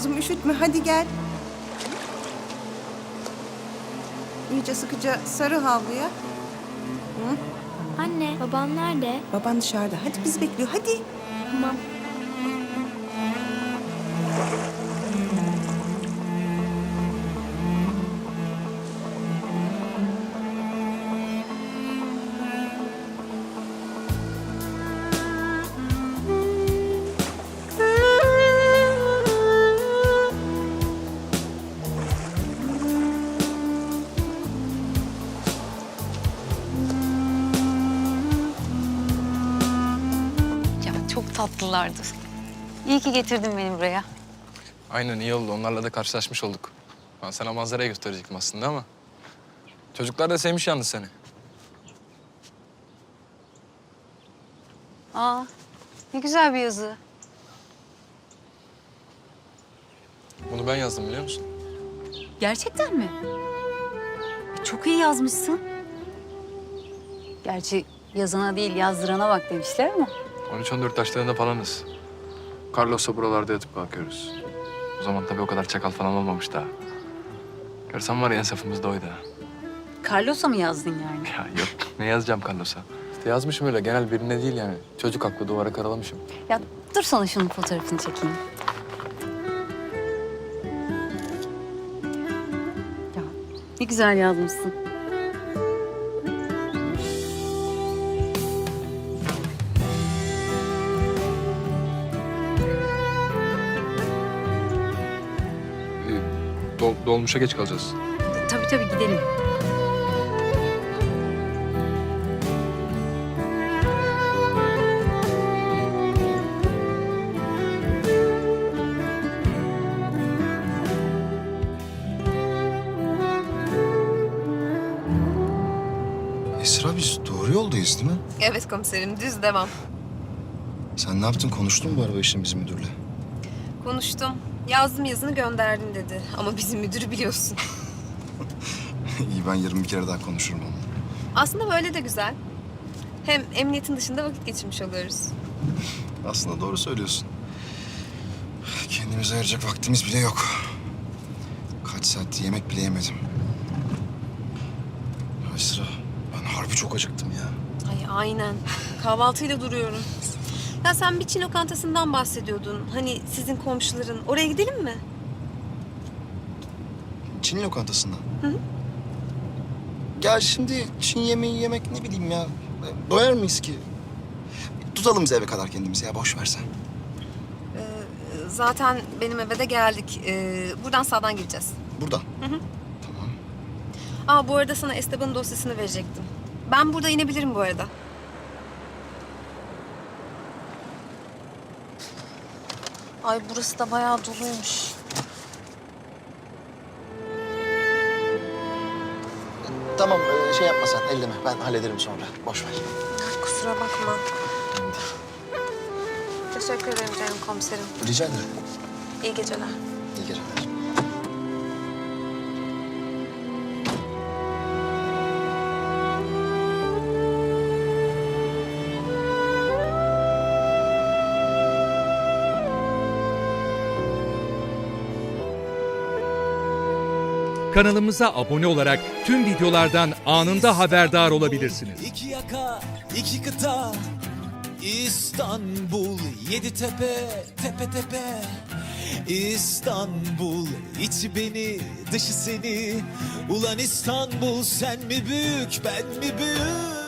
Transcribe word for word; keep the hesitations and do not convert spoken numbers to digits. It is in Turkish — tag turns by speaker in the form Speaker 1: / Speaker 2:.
Speaker 1: kızım, üşütme. Hadi gel. İyice sıkıca sarı havluya. Hı?
Speaker 2: Anne, babam nerede?
Speaker 1: Baban dışarıda. Hadi bizi bekliyor. Hadi.
Speaker 2: Tamam.
Speaker 3: Çok tatlılardı. İyi ki getirdin beni buraya.
Speaker 4: Aynen, iyi oldu. Onlarla da karşılaşmış olduk. Ben sana manzarayı gösterecektim aslında ama... Çocuklar da sevmiş yalnız seni.
Speaker 3: Aa, ne güzel bir yazı.
Speaker 4: Bunu ben yazdım, biliyor musun?
Speaker 3: Gerçekten mi? Çok iyi yazmışsın. Gerçi yazana değil, yazdırana bak demişler ama.
Speaker 4: on üç on dört yaşlarında falanız. Carlos'la buralarda yatıp kalkıyoruz. O zaman tabii o kadar çakal falan olmamış daha. Görsem var ya, en safımızda oydu ha.
Speaker 3: Carlos'a mı yazdın yani?
Speaker 4: Ya yok, ne yazacağım Carlos'a? İşte yazmışım öyle, genel birine değil yani. Çocuk aklı duvara karalamışım.
Speaker 3: Ya dur sana şunun fotoğrafını çekeyim. Ya ne güzel yazmışsın.
Speaker 4: Ee, dol- dolmuşa geç kalacağız.
Speaker 3: Tabii tabii gidelim.
Speaker 5: Esra, biz doğru yoldayız değil mi?
Speaker 6: Evet komiserim, düz devam.
Speaker 5: Sen ne yaptın? Konuştun mu bu araba işini bizim müdürle?
Speaker 6: Konuştum. Yazdım yazını gönderdim dedi. Ama bizim müdürü biliyorsun.
Speaker 5: İyi, ben yarın bir kere daha konuşurum onunla.
Speaker 6: Aslında böyle de güzel. Hem emniyetin dışında vakit geçirmiş oluyoruz.
Speaker 5: Aslında doğru söylüyorsun. Kendimize ayıracak vaktimiz bile yok. Kaç saat yemek bile yemedim. Esra, ben harbi çok acıktım ya.
Speaker 6: Ay aynen. Kahvaltıyla duruyorum. Ya sen bir Çin lokantasından bahsediyordun. Hani sizin komşuların. Oraya gidelim mi?
Speaker 5: Çin lokantasından. Hı hı. Ya şimdi Çin yemeği yemek ne bileyim ya. Doyar mıyız ki? Tutalım biz eve kadar kendimizi ya, boş versen.
Speaker 6: Ee, zaten benim eve de geldik. Ee, buradan sağdan gireceğiz.
Speaker 5: Buradan.
Speaker 6: Hı hı.
Speaker 5: Tamam.
Speaker 6: Aa, bu arada sana Esteban'ın dosyasını verecektim. Ben burada inebilirim bu arada. Ay burası da bayağı doluymuş.
Speaker 5: Tamam, e, şey yapma sen, elleme. Ben hallederim sonra. Boş ver.
Speaker 6: Kusura bakma. Teşekkür ederim canım komiserim.
Speaker 5: Rica ederim.
Speaker 6: İyi geceler.
Speaker 5: İyi geceler.
Speaker 7: Kanalımıza abone olarak tüm videolardan anında haberdar olabilirsiniz.
Speaker 8: İki yaka, iki kıta, İstanbul, yedi tepe, tepe tepe. İstanbul, içi beni, dışı seni. Ulan İstanbul, sen mi büyük, ben mi büyük?